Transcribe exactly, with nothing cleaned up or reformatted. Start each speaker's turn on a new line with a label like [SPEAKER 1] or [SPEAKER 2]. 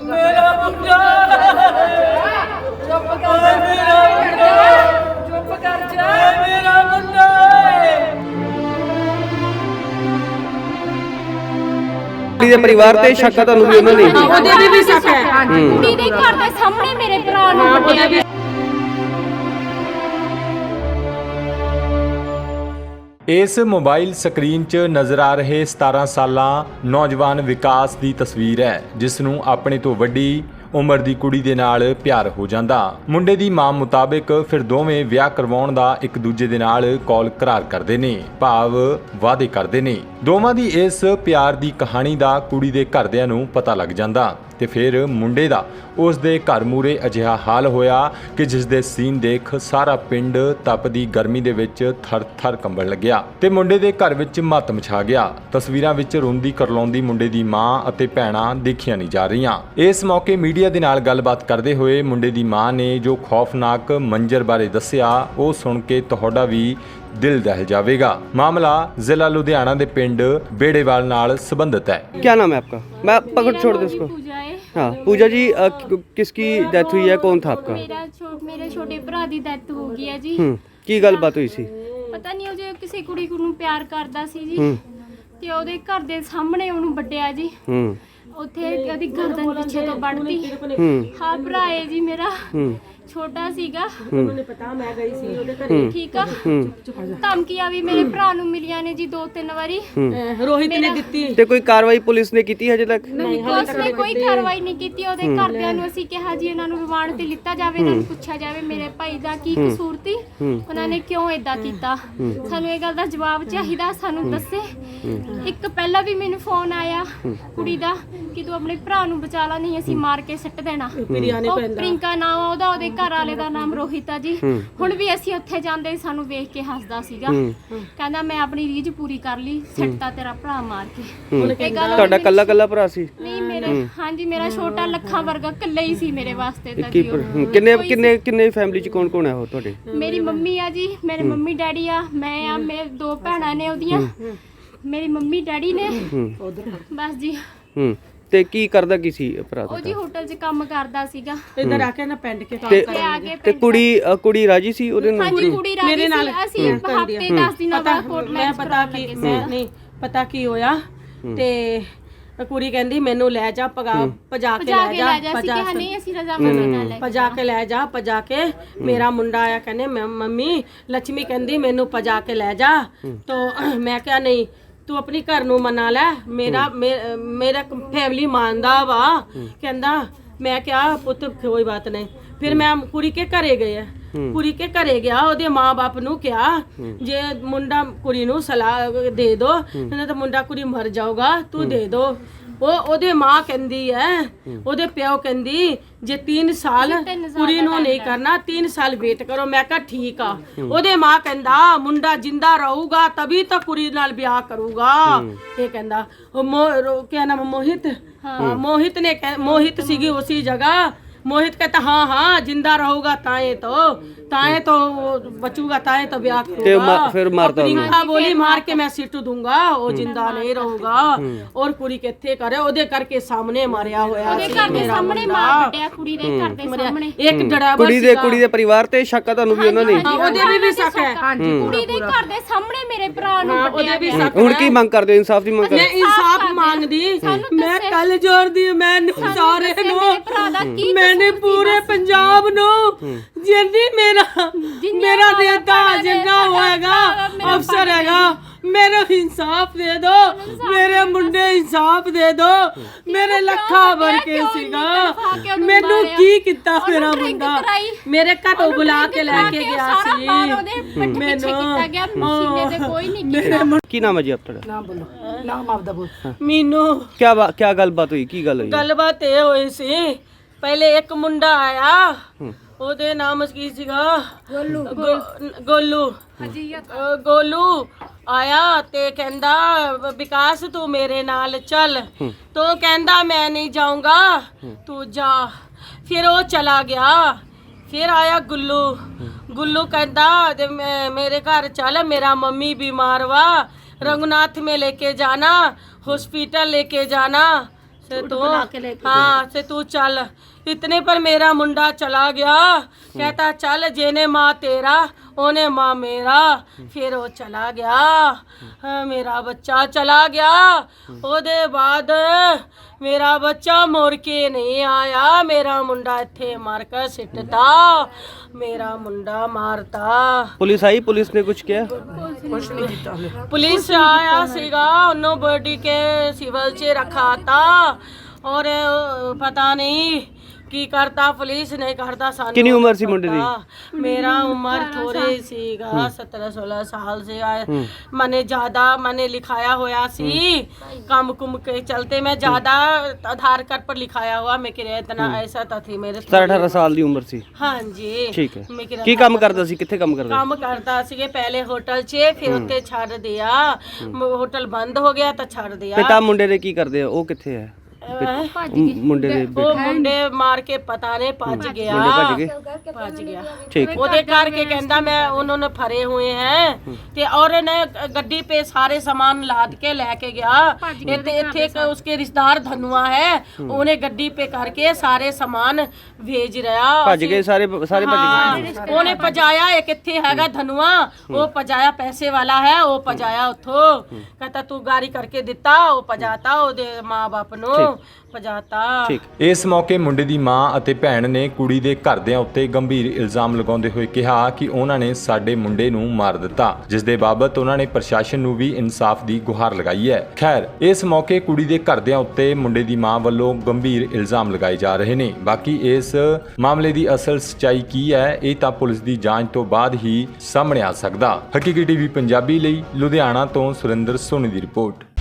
[SPEAKER 1] मेरा मुंडा चुप कर मेरा मुंडा चुप कर जा मेरा मुंडा
[SPEAKER 2] ਕੁੜੀ ਦੇ ਪਰਿਵਾਰ ਤੇ ਸ਼ੱਕ ਆ ਤੁਹਾਨੂੰ ਵੀ ਉਹਨਾਂ ਨੇ
[SPEAKER 3] ਉਹਦੇ ਵੀ ਵੀ ਸ਼ੱਕ ਹੈ।
[SPEAKER 4] ਕੁੜੀ ਦੇ ਘਰ ਦੇ ਸਾਹਮਣੇ ਮੇਰੇ ਭਰਾ ਨੂੰ ਕੁੱਟਿਆ ਗਿਆ।
[SPEAKER 5] ਇਸ ਮੋਬਾਈਲ ਸਕਰੀਨ 'ਚ ਨਜ਼ਰ ਆ ਰਹੇ ਸਤਾਰਾਂ ਸਾਲਾਂ ਨੌਜਵਾਨ ਵਿਕਾਸ ਦੀ ਤਸਵੀਰ ਹੈ, ਜਿਸ ਨੂੰ ਆਪਣੇ ਤੋਂ ਵੱਡੀ ਉਮਰ ਦੀ ਕੁੜੀ ਦੇ ਨਾਲ ਪਿਆਰ ਹੋ ਜਾਂਦਾ। ਮੁੰਡੇ ਦੀ ਮਾਂ ਮੁਤਾਬਿਕ ਫਿਰ ਦੋਵੇਂ ਵਿਆਹ ਕਰਵਾਉਣ ਦਾ ਇੱਕ ਦੂਜੇ ਦੇ ਨਾਲ ਕੌਲ ਕਰਾਰ ਕਰਦੇ ਨੇ, ਭਾਵ ਵਾਅਦੇ ਕਰਦੇ ਨੇ। ਦੋਵਾਂ ਦੀ ਇਸ ਪਿਆਰ ਦੀ ਕਹਾਣੀ ਦਾ ਕੁੜੀ ਦੇ ਘਰਦਿਆਂ ਨੂੰ ਪਤਾ ਲੱਗ ਜਾਂਦਾ ਤੇ ਫਿਰ ਮੁੰਡੇ ਦਾ ਉਸ ਦੇ ਘਰ ਮੂਰੇ ਅਜਿਹਾ ਹਾਲ ਹੋਇਆ ਕਿ ਜਿਸ ਦੇ ਸੀਨ ਦੇਖ ਸਾਰਾ ਪਿੰਡ ਤਪਦੀ ਗਰਮੀ ਦੇ ਵਿੱਚ ਥਰ-ਥਰ ਕੰਬਣ ਲੱਗਿਆ ਤੇ ਮੁੰਡੇ ਦੇ ਘਰ ਵਿੱਚ ਮਾਤਮ ਛਾ ਗਿਆ। ਤਸਵੀਰਾਂ ਵਿੱਚ ਰੋਂਦੀ ਕਰਲਾਉਂਦੀ ਮੁੰਡੇ ਦੀ ਮਾਂ ਅਤੇ ਭੈਣਾਂ ਦੇਖੀਆਂ ਨਹੀਂ ਜਾ ਰਹੀਆਂ। ਇਸ ਮੌਕੇ ਮੀਡੀਆ ਦੇ ਨਾਲ ਗੱਲਬਾਤ ਕਰਦੇ ਹੋਏ ਮੁੰਡੇ ਦੀ ਮਾਂ ਨੇ ਜੋ ਖੌਫਨਾਕ ਮੰਜ਼ਰ ਬਾਰੇ ਦੱਸਿਆ, ਉਹ ਸੁਣ ਕੇ ਤੁਹਾਡਾ ਵੀ ਦਿਲ ਦਹਿਲ ਜਾਵੇਗਾ। मामला जिला लुधियाना के पिंड बेड़ेवाल नाल संबंधित है।
[SPEAKER 2] क्या नाम है आपका? मैं पकड़ छोड़ दे उसको।
[SPEAKER 4] पूजा है।
[SPEAKER 2] हाँ पूजा जी, अ, कि- किसकी डेथ हुई है? कौन था आपका?
[SPEAKER 4] मेरा छो, मेरे छोटे भरा दी डेथ हो गई है जी।
[SPEAKER 2] हम्म की गलबात हुई सी?
[SPEAKER 4] ਪਤਾ ਨਹੀਂ ਉਹ ਜੇ ਕਿਸੇ ਕੁੜੀ ਨੂੰ ਪਿਆਰ ਕਰਦਾ ਸੀ ਜੀ
[SPEAKER 2] ਹੂੰ
[SPEAKER 4] ਤੇ ਉਹਦੇ ਘਰ ਦੇ ਸਾਹਮਣੇ ਉਹਨੂੰ ਵੱਡਿਆ ਜੀ।
[SPEAKER 2] ਹੂੰ
[SPEAKER 4] ਉੱਥੇ ਉਹਦੀ ਗਰਦਨ ਪਿੱਛੇ ਤੋਂ ਵੱਢਤੀ।
[SPEAKER 2] ਹੂੰ
[SPEAKER 4] ਹਾਂ ਭਰਾ ਹੈ ਜੀ ਮੇਰਾ,
[SPEAKER 2] ਹੂੰ
[SPEAKER 4] ਛੋਟਾ ਸੀਗਾ।
[SPEAKER 3] ਉਹਨੇ ਪਤਾ ਮੈਂ ਗਈ ਸੀ ਉਹਦੇ ਘਰੇ।
[SPEAKER 4] ਠੀਕ ਆ।
[SPEAKER 2] ਹੂੰ
[SPEAKER 4] ਧਮਕੀਆਂ ਵੀ ਮੇਰੇ ਭਰਾ ਨੂੰ ਮਿਲੀਆਂ ਨੇ ਜੀ ਦੋ ਤਿੰਨ ਵਾਰੀ।
[SPEAKER 3] ਅਹ ਰੋਹਿਤ ਨੇ ਦਿੱਤੀ।
[SPEAKER 2] ਤੇ ਕੋਈ ਕਾਰਵਾਈ ਪੁਲਿਸ ਨੇ ਕੀਤੀ ਹਜੇ ਤੱਕ?
[SPEAKER 4] ਪੁਲਿਸ ਨੇ ਕੋਈ ਕਾਰਵਾਈ ਨਹੀਂ ਕੀਤੀ। ਉਹਦੇ ਘਰਦਿਆਂ ਨੂੰ ਅਸੀਂ ਕਿਹਾ ਜੀ ਇਹਨਾਂ ਨੂੰ ਰਿਮਾਂਡ ਤੇ ਲਿੱਤਾ ਜਾਵੇ, ਇਹਨਾਂ ਨੂੰ ਪੁੱਛਿਆ ਜਾਵੇ ਮੇਰੇ ਭਾਈ ਦਾ ਕੀ ਕਸੂਰ ਸੀ, ਉਹਨਾਂ ਨੇ ਕਿਉਂ ਏਦਾਂ ਕੀਤਾ। ਸਾਨੂੰ ਇਹ ਗੱਲ ਦਾ ਜਵਾਬ ਚਾਹੀਦਾ, ਸਾਨੂੰ ਦੱਸੇ। ਇੱਕ ਪਹਿਲਾਂ ਵੀ ਮੈਨੂੰ ਫੋਨ ਆਇਆ ਕੁੜੀ ਦਾ ਕਿ ਤੂੰ ਆਪਣੇ ਭਰਾ ਨੂੰ ਬਚਾ ਲਾ, ਨਹੀਂ ਅਸੀਂ ਮਾਰ ਕੇ ਸੁੱਟ ਦੇਣਾ।
[SPEAKER 3] ਪਿਰਿਆਨੇ
[SPEAKER 4] ਉਹ
[SPEAKER 3] ਪੈਂਦਾ।
[SPEAKER 4] ਪ੍ਰਿੰਕਾ ਨਾਮ ਆ ਉਹਦਾ, ਉਹਦੇ ਘਰ ਵਾਲੇ ਦਾ ਨਾਮ ਰੋਹਿਤ ਆ ਜੀ। ਹੁਣ ਵੀ ਅਸੀਂ ਉੱਥੇ ਜਾਂਦੇ ਸਾਨੂੰ ਵੇਖ ਕੇ ਹੱਸਦਾ ਸੀਗਾ, ਕਹਿੰਦਾ ਮੈਂ ਆਪਣੀ ਰੀਝ ਪੂਰੀ ਕਰ ਲਈ, ਸੱਟਤਾ ਤੇਰਾ ਭਰਾ ਮਾਰ ਕੇ। ਇਹ ਗੱਲ
[SPEAKER 2] ਤੁਹਾਡਾ ਕੱਲਾ ਕੱਲਾ ਭਰਾ ਸੀ?
[SPEAKER 4] ਨਹੀਂ ਮੇਰੇ, ਹਾਂਜੀ ਮੇਰਾ ਛੋਟਾ ਲੱਖਾਂ ਵਰਗਾ ਇਕੱਲਾ ਹੀ ਸੀ ਮੇਰੇ ਵਾਸਤੇ ਤਾਂ
[SPEAKER 2] ਕੀ
[SPEAKER 4] ਜੀ ਉਹ।
[SPEAKER 2] ਹੂੰ, ਕਿੰਨੇ ਕਿੰਨੇ ਕਿੰਨੇ ਫੈਮਿਲੀ ਚ ਕੌਣ ਕੌਣ ਹੈ ਉਹ ਤੁਹਾਡੇ?
[SPEAKER 4] ਮੇਰੀ ਮੰਮੀ ਆ ਜੀ, ਮੇਰੇ ਮੰਮੀ ਡੈਡੀ ਆ, ਮੈਂ ਆ, ਮੇਰੇ ਦੋ ਭੈਣਾਂ ਨੇ ਉਹਦੀਆਂ, ਮੇਰੀ ਮੰਮੀ ਡੈਡੀ ਨੇ, ਬਸ ਜੀ।
[SPEAKER 2] ਹੂੰ ਤੇ ਕੀ ਕਰਦਾ ਕੀ ਸੀ ਭਰਾ
[SPEAKER 4] ਉਹ ਜੀ
[SPEAKER 2] ਤੁਹਾਡਾ?
[SPEAKER 4] ਹੋਟਲ 'ਚ ਕੰਮ ਕਰਦਾ ਸੀਗਾ।
[SPEAKER 3] ਇੱਧਰ ਆ ਕੇ ਨਾ ਪਿੰਡ ਕੇ ਕੰਮ
[SPEAKER 2] ਤੇ
[SPEAKER 4] ਤੇ ਆ ਕੇ
[SPEAKER 2] ਤੇ ਕੁੜੀ ਅ, ਕੁੜੀ ਰਾਜੀ ਸੀ ਉਹਦੇ ਨਾਲ?
[SPEAKER 4] ਹਾਂਜੀ ਕੁੜੀ ਰਾਜੀ
[SPEAKER 3] ਮੇਰੇ ਨਾਲ
[SPEAKER 4] ਸੀ। ਅਸੀਂ ਹਫਤੇ ਦਸ ਦਿਨਾਂ
[SPEAKER 3] ਪਤਾ
[SPEAKER 4] ਬਾਅਦ ਕੋਰਟ
[SPEAKER 3] ਮੈਂ ਪਤਾ ਕੀ ਮੈਂ ਨਹੀਂ ਪਤਾ ਕੀ ਹੋਇਆ ਤੇ ਕੁੜੀ ਕਹਿੰਦੀ ਮੈਨੂੰ ਲੈ ਜਾ ਪਗਾ ਭਜਾ ਕੇ
[SPEAKER 4] ਭਜਾ
[SPEAKER 3] ਲੈ
[SPEAKER 4] ਕੇ
[SPEAKER 3] ਜਾ
[SPEAKER 4] ਲੈ ਜਾ ਸੀ ਕਿ ਨਹੀਂ ਅਸੀਂ ਰਜ਼ਾਮੰਦੀ ਨਾਲ ਲੈ
[SPEAKER 3] ਭਜਾ ਕੇ ਲੈ ਜਾ ਭਜਾ ਕੇ ਮੇਰਾ ਮੁੰਡਾ ਆਇਆ ਕਹਿੰਦੇ ਮੈਂ ਮੰਮੀ ਲక్ష్ਮੀ ਕਹਿੰਦੀ ਮੈਨੂੰ ਭਜਾ ਕੇ ਲੈ ਜਾ। ਤਾਂ ਮੈਂ ਕਿਹਾ ਨਹੀਂ ਤੂੰ ਆਪਣੀ ਘਰ ਨੂੰ ਮਨਾ ਲੈ, ਮੇਰਾ ਮੇ- ਮੇਰਾ ਫੈਮਿਲੀ ਮੰਨਦਾ ਵਾ। ਕਹਿੰਦਾ ਮੈਂ ਕਿਹਾ ਪੁੱਤ ਕੋਈ ਬਾਤ ਨਹੀਂ। ਫਿਰ ਮੈਂ ਕੁੜੀ ਕੇ ਘਰੇ ਗਏ, ਕੁੜੀ ਕੇ ਘਰੇ ਗਿਆ, ਉਹਦੇ ਮਾਂ-ਬਾਪ ਨੂੰ ਕਿਹਾ ਜੇ ਮੁੰਡਾ ਕੁੜੀ ਨੂੰ ਸਲਾਹ ਦੇ ਦੋ, ਨਹੀਂ ਤਾਂ ਮੁੰਡਾ ਕੁੜੀ ਮਰ ਜਾਊਗਾ, ਤੂੰ ਦੇ ਦੋ। ਉਹ ਉਹਦੇ ਮਾਂ ਕਹਿੰਦੀ ਹੈ, ਉਹਦੇ ਪਿਓ ਕਹਿੰਦੀ ਜੇ तीन साल ਕੁੜੀ ਨੂੰ ਨਹੀਂ ਕਰਨਾ, तीन साल ਵੇਟ ਕਰੋ। ਮੈਂ ਕਿਹਾ ਠੀਕ ਆ। ਉਹਦੇ ਮਾਂ ਕਹਿੰਦਾ ਮੁੰਡਾ ਜਿੰਦਾ ਰਹੂਗਾ ਤभी ਤਾਂ ਕੁੜੀ ਨਾਲ ਵਿਆਹ ਕਰੂਗਾ। ਇਹ ਕਹਿੰਦਾ ਉਹ ਮੋ ਕਿਆ ਨਾਮ ਮੋਹਿਤ, ਹਾਂ ਮੋਹਿਤ ਨੇ ਮੋਹਿਤ ਸੀਗੀ ਉसी जगह। मोहित कहता हाँ हाँ जिंदा रहूगा ताए तो ताए तो बचूगा, ताए तो ब्याह करूंगा।
[SPEAKER 2] फिर मारता
[SPEAKER 3] प्रियंका बोली मार के मैं सिट दूंगा, वो जिंदा नहीं रहूगा। और कुड़ी किथे करे ओदे करके सामने मारिया होया
[SPEAKER 4] ਉਹਦੇ ਘਰ ਦੇ ਸਾਹਮਣੇ ਮਾਰ ਵੱਟਿਆ, ਕੁੜੀ ਦੇ ਘਰ ਦੇ ਸਾਹਮਣੇ।
[SPEAKER 3] एक ड्राइवर
[SPEAKER 2] ਕੁੜੀ ਦੇ ਕੁੜੀ ਦੇ ਪਰਿਵਾਰ ਤੇ ਸ਼ੱਕ ਆ ਤੁਹਾਨੂੰ ਵੀ ਉਹਨਾਂ ਨੇ?
[SPEAKER 3] ਉਹਦੇ ਵੀ ਵੀ ਸ਼ੱਕ ਹੈ।
[SPEAKER 4] ਕੁੜੀ ਦੇ ਘਰ ਦੇ ਸਾਹਮਣੇ ਮੇਰੇ ਭਰਾ ਨੂੰ ਵੱਟਿਆ
[SPEAKER 3] भी
[SPEAKER 4] ਗਿਆ।
[SPEAKER 2] ਹੁਣ ਕੀ ਮੰਗ ਕਰਦੇ ਹੋ? ਇਨਸਾਫ ਦੀ ਮੰਗ
[SPEAKER 3] मैं
[SPEAKER 2] ਕਰਦੇ?
[SPEAKER 3] इंसाफ मांगदी, मैं कल जोड़ दी मैनू सारे नु
[SPEAKER 4] ਭਰਾ ਦਾ ਕੀ
[SPEAKER 3] मैंने पूरे पंजाब नु जिन्नी मेरा मेरा देता जिन्ना होएगा अफसर हैगा मेरे इंसाफ दे दो, मेरे मुंडे इंसाफ दे दो। मेरे लखा भर के सीगा मैनू की किता मेरा मुंडा मेरे घर बुला के लेके गया सी मैनू
[SPEAKER 4] ਕੋਈ ਨਹੀਂ
[SPEAKER 2] ਕੀ ਨਾਮ ਹੈ ਜੀ ਆਪਣਾ?
[SPEAKER 3] नाम बोलो नाम आपदा बोल मीनू
[SPEAKER 2] क्या बा- क्या गलबात हुई? की गल हुई?
[SPEAKER 3] ਗੱਲਬਾਤ ਇਹ ਹੋਈ ਸੀ, ਪਹਿਲੇ ਇੱਕ ਮੁੰਡਾ ਆਇਆ, ਉਹਦੇ ਨਾਮ ਕੀ ਸੀਗਾ ਗੋਲੂ ਗੋਲੂ ਅਹ ਗੋਲੂ ਆਇਆ ਤੇ ਕਹਿੰਦਾ ਵਿਕਾਸ ਤੂੰ ਮੇਰੇ ਨਾਲ ਚੱਲ। ਤੋ ਕਹਿੰਦਾ ਮੈਂ ਨਹੀਂ ਜਾਊਂਗਾ, ਤੂੰ ਜਾ। ਫਿਰ ਉਹ ਚਲਾ ਗਿਆ। फिर आया गुल्लू, गुल्लू कहता जे मेरे घर चल, मेरा मम्मी बीमार हुआ, रघुनाथ में लेके जाना, हॉस्पिटल लेके जाना। से तू हाँ से तू चल। इतने पर मेरा मुंडा चला गया, कहता चल जेने माँ तेरा ओने माँ मेरा। फिर वो चला गया, हाँ, मेरा बच्चा चला गया। ओदे बाद मेरा बच्चा मुड़ के नहीं आया, मेरा मुंडा इत्थे मार कर सिटता, मेरा मुंडा मारता।
[SPEAKER 2] पुलिस आई, पुलिस ने कुछ किया?
[SPEAKER 3] पुलिस आया सीगा, उन्होंने बॉडी के सिविल च रखा था और अ, पता नहीं की करता पुलिस नहीं करता। सानू
[SPEAKER 2] कितनी उम्र सी मुंडे दी?
[SPEAKER 3] मेरा उम्र थोड़ी सीगा सत्रह सोलह साल से आए। मैंने ज्यादा मैंने लिखाया हुआ सी काम कुम के चलते, मैं ज्यादा आधार कार्ड पर लिखाया हुआ मैं किराया इतना ऐसा था थी मेरे
[SPEAKER 2] सत्रह अठारह साल ਦੀ ਉਮਰ ਸੀ।
[SPEAKER 3] हाँ जी
[SPEAKER 2] ਠੀਕ ਹੈ।
[SPEAKER 3] मैं किराया
[SPEAKER 2] ਕੀ ਕੰਮ ਕਰਦਾ ਸੀ, ਕਿੱਥੇ ਕੰਮ ਕਰਦਾ?
[SPEAKER 3] ਕੰਮ ਕਰਦਾ ਸੀ ਪਹਿਲੇ ਹੋਟਲ 'ਚ, ਫਿਰ ਉੱਤੇ ਛੱਡ ਦਿਆ, ਹੋਟਲ ਬੰਦ ਹੋ ਗਿਆ ਤਾਂ ਛੱਡ ਦਿਆ।
[SPEAKER 2] ਪਿਤਾ ਮੁੰਡੇ ਦੇ ਕੀ ਕਰਦੇ ਆ, ਉਹ ਕਿੱਥੇ ਹੈ? ਮੁੰਡੇ ਦੇ
[SPEAKER 3] ਉਹ ਮੁੰਡੇ ਮਾਰ ਕੇ ਪਤਾ ਨਹੀਂ ਭੱਜ ਗਿਆ,
[SPEAKER 2] ਮੁੰਡੇ ਭੱਜ ਗਏ?
[SPEAKER 3] ਭੱਜ ਗਿਆ।
[SPEAKER 2] ਠੀਕ ਹੈ।
[SPEAKER 3] ਉਹਦੇ ਕਰਕੇ ਕਹਿੰਦਾ ਮੈਂ ਉਹਨਾਂ ਨੇ ਫੜੇ ਹੋਏ ਹੈ ਤੇ ਔਰ ਨੇ ਗੱਡੀ पे सारे सामान लाद के लेके गया। ਇੱਥੇ ਇੱਥੇ ਇੱਕ ਉਸਕੇ ਰਿਸ਼ਤੇਦਾਰ ਧਨੁਆ ਹੈ, ਉਹਨੇ ਗੱਡੀ पे करके सारे सामान भेज ਰਿਹਾ।
[SPEAKER 2] ਭੱਜ ਗਏ ਸਾਰੇ ਸਾਰੇ ਭੱਜ ਗਏ?
[SPEAKER 3] ਹਾਂ, ਉਹਨੇ ਪਜਾਇਆ ਇੱਕ ਇੱਥੇ ਹੈਗਾ ਧਨੁਆ, ਉਹ ਪਜਾਇਆ ਪੈਸੇ ਵਾਲਾ ਹੈ, ਉਹ ਪਜਾਇਆ ਉੱਥੋਂ, ਕਹਿੰਦਾ ਤੂੰ ਗਾੜੀ ਕਰਕੇ ਦਿੱਤਾ, ਉਹ ਪਜਾਤਾ ਉਹਦੇ ਮਾਂ-ਬਾਪ ਨੂੰ ਪਜਾਤਾ।
[SPEAKER 2] ਠੀਕ।
[SPEAKER 5] ਇਸ ਮੌਕੇ ਮੁੰਡੇ ਦੀ ਮਾਂ ਅਤੇ ਭੈਣ ਨੇ ਕੁੜੀ ਦੇ ਘਰਦਿਆਂ ਉੱਤੇ ਗੰਭੀਰ ਇਲਜ਼ਾਮ ਲਗਾਉਂਦੇ ਹੋਏ ਕਿਹਾ ਕਿ ਉਹਨਾਂ ਨੇ ਸਾਡੇ ਮੁੰਡੇ ਨੂੰ ਮਾਰ ਦਿੱਤਾ, ਜਿਸ ਦੇ ਬਾਬਤ ਉਹਨਾਂ ਨੇ ਪ੍ਰਸ਼ਾਸਨ ਨੂੰ ਵੀ ਇਨਸਾਫ ਦੀ ਗੁਹਾਰ ਲਗਾਈ ਹੈ। ਖੈਰ, ਇਸ ਮੌਕੇ ਕੁੜੀ ਦੇ ਘਰਦਿਆਂ ਉੱਤੇ ਮੁੰਡੇ ਦੀ ਮਾਂ ਵੱਲੋਂ ਗੰਭੀਰ ਇਲਜ਼ਾਮ ਲਗਾਏ ਜਾ ਰਹੇ ਨੇ। ਬਾਕੀ ਇਸ ਮਾਮਲੇ ਦੀ ਅਸਲ ਸੱਚਾਈ ਕੀ ਹੈ, ਇਹ ਤਾਂ ਪੁਲਿਸ ਦੀ ਜਾਂਚ ਤੋਂ ਬਾਅਦ ਹੀ ਸਾਹਮਣੇ ਆ ਸਕਦਾ। ਹਕੀਕੀ ਟੀਵੀ ਪੰਜਾਬੀ ਲਈ ਲੁਧਿਆਣਾ ਤੋਂ ਸੁਰਿੰਦਰ ਸੋਨੀ ਦੀ ਰਿਪੋਰਟ।